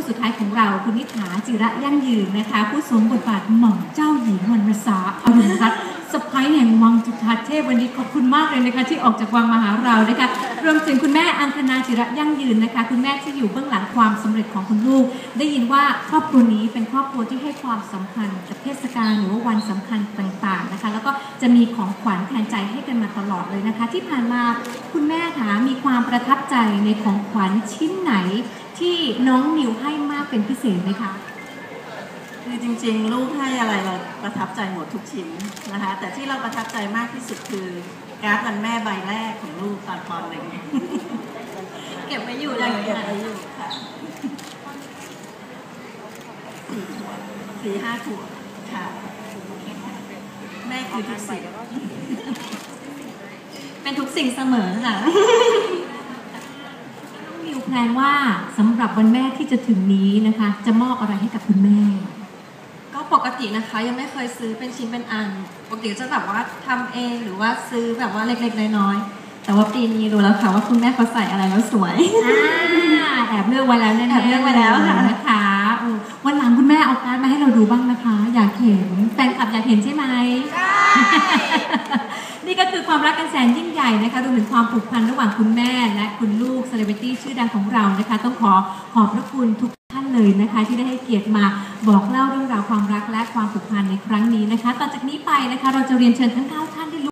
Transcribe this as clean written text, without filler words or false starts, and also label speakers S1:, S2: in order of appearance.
S1: สุดท้ายของเราคุณนิษฐาจิระยั่งยืนนะคะผู้สวมบทบาทหม่อมเจ้าหญิงวรรณสาอรุณรัตน์สะพ้ายแห่งวังจุฑาเทพวันนี้ขอบคุณมากเลยนะคะที่ออกจากวังมาหาเรานะคะรวมถึงคุณแม่อังคณาจิระยั่งยืนนะคะคุณแม่ที่อยู่เบื้องหลังความสำเร็จของคุณลูกได้ยินว่าครอบครัวนี้เป็นครอบครัวที่ให้ความสำคัญกับเทศกาลหรือว่าวันสำคัญต่างๆนะคะแล้วก็จะมีของขวัญแทนใจให้กันมาตลอดเลยนะคะที่ผ่านมาคุณแม่คะมีความประทับใจในของขวัญชิ้นไหนที่น้องมิวให้มากเป็นพิเศษไหมคะ
S2: คือจริงๆลูกให้อะไรเราประทับใจหมดทุกชิ้นนะคะแต่ที่เราประทับใจมากที่สุดคือการ์ดวันแม่ใบแรกของลูกตอนป .1
S1: เก็บไว้อยู่เลย
S2: เก็บไว้อยู่ค่ะ4-5 ขวบค่ะแม่คือทุกสิ่ง
S1: เป็นทุกสิ่งเสมอค่ะน้องมิวแพลนว่าสำหรับวันแม่ที่จะถึงนี้นะคะจะมอบอะไรให้กับคุณแม่
S3: ก็ปกตินะคะยังไม่เคยซื้อเป็นชิ้นเป็นอันปกติจะแบบว่าทำเองหรือว่าซื้อแบบว่าเล็กๆน้อยๆแต่ว่าปีนี้รู้แล้วค่ะว่าคุณแม่เขาใส่อะไรแล้วสวย
S1: แอบเลือกไว้แล้วแน่ๆ
S3: แอบเลือกไว้แล้วค่ะ
S1: นะคะวันหลังคุณแม่เอาการ์ดมาให้เราดูบ้างนะคะอยากเห็นแฟนคลับอยากเห็นใช่ไหมนี่ก็คือความรักกันแสนยิ่งใหญ่นะคะรวมถึงความผูกพันระหว่างคุณแม่และคุณลูกเซเลบริตี้ชื่อดังของเรานะคะต้องขอบพระคุณทุกท่านเลยนะคะที่ได้ให้เกียรติมาบอกเล่าเรื่องราวความรักและความผูกพันในครั้งนี้นะคะต่อจากนี้ไปนะคะเราจะเรียนเชิญทั้ง9ท่านได้